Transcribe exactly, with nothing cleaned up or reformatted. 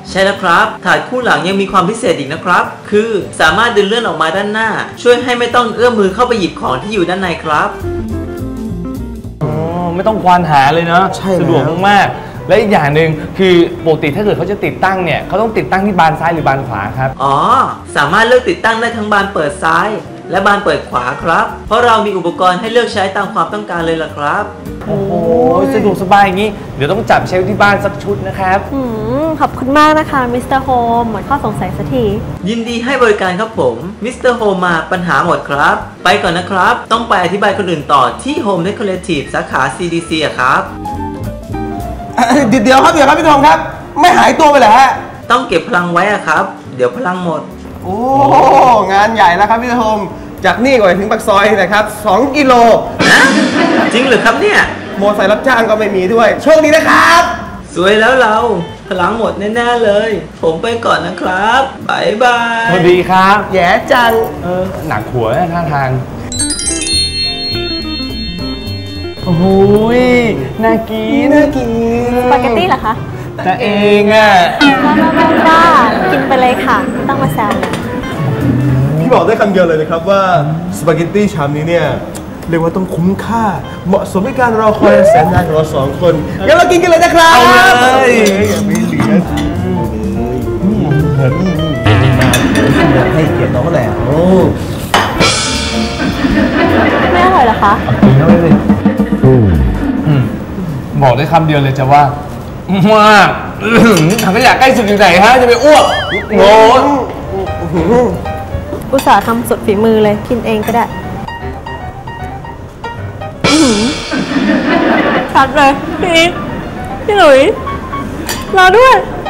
ใช่แล้วครับถาดคู่หลังยังมีความพิเศษอีกนะครับ คือสามารถดึงเลื่อนออกมาด้านหน้า ช่วยให้ไม่ต้องเอื้อมมือเข้าไปหยิบของที่อยู่ด้านในครับอ๋อไม่ต้องควานหาเลยเนาะใช่แล้วสะดวกมากๆและอีกอย่างหนึ่งคือปกติถ้าเกิดเขาจะติดตั้งเนี่ยเขาต้องติดตั้งที่บานซ้ายหรือบานขวาครับอ๋อ สามารถเลือกติดตั้งได้ทั้งบานเปิดซ้าย และบานเปิดขวาครับ เพราะเรามีอุปกรณ์ให้เลือกใช้ตามความต้องการเลยล่ะครับโอ้โหสะดวกสบายอย่างนี้เดี๋ยวต้องจับเชลฟ์ที่บ้านสักชุดนะครับอืมขอบคุณมากนะคะมิสเตอร์โฮมหมดข้อสงสัยสักทียินดีให้บริการครับผมมิสเตอร์โฮมมาปัญหาหมดครับ ไปก่อนนะครับ ต้องไปอธิบายคนอื่นต่อที่ Home Decorative สาขา ซี ดี ซี อะครับเดี๋ยวเดี๋ยวครับเดี๋ยวครับพี่ทองครับ ไม่หายตัวไปเหรอฮะต้องเก็บพลังไว้อะครับ เดี๋ยวพลังหมดโอ้ งานใหญ่แล้วครับพี่ทองจากนี่ก่อนถึงปากซอยนะครับสองกิโลนะ จริงเหรือครับเนี่ยโมอไซค์รับจ้างก็ไม่มีด้วย โชคดีนะครับสวยแล้วเรา พลังหมดแน่ๆเลย ผมไปก่อนนะครับบายบายสวัสดีครับแย่จังเออหนักหัวนะท่าทาง โอ้โหยน่ากินน่ากินสปาเกตตี้เหรอคะแต่เองอ่ะบ้ากินไปเลยค่ะไม่ต้องมาแซวเลยพี่บอกได้คำเดียวเลยนะครับว่าสปาเกตตี้ชามนี้เนี่ยเรียกว่าต้องคุ้มค่า เหมาะสมกับการรอคอยแสนนานของเราสองคนงั้นเรากินกันเลยนะครับเอาเลยอย่าไม่เหลือให้เกียรติน้องแหละโอ้ไม่อร่อยเหรอคะกินเข้าไปเลยอืมบอกได้คำเดียวเลยจะว่ามากถังขยะใกล้สุดอยู่ไหนฮะจะไปอ้วกโง่อุตส่าห์ทำสุดฝีมือเลยกินเองก็ได้อื้อหือชัดเลยพี่อีทพี่หลุยรอด้วย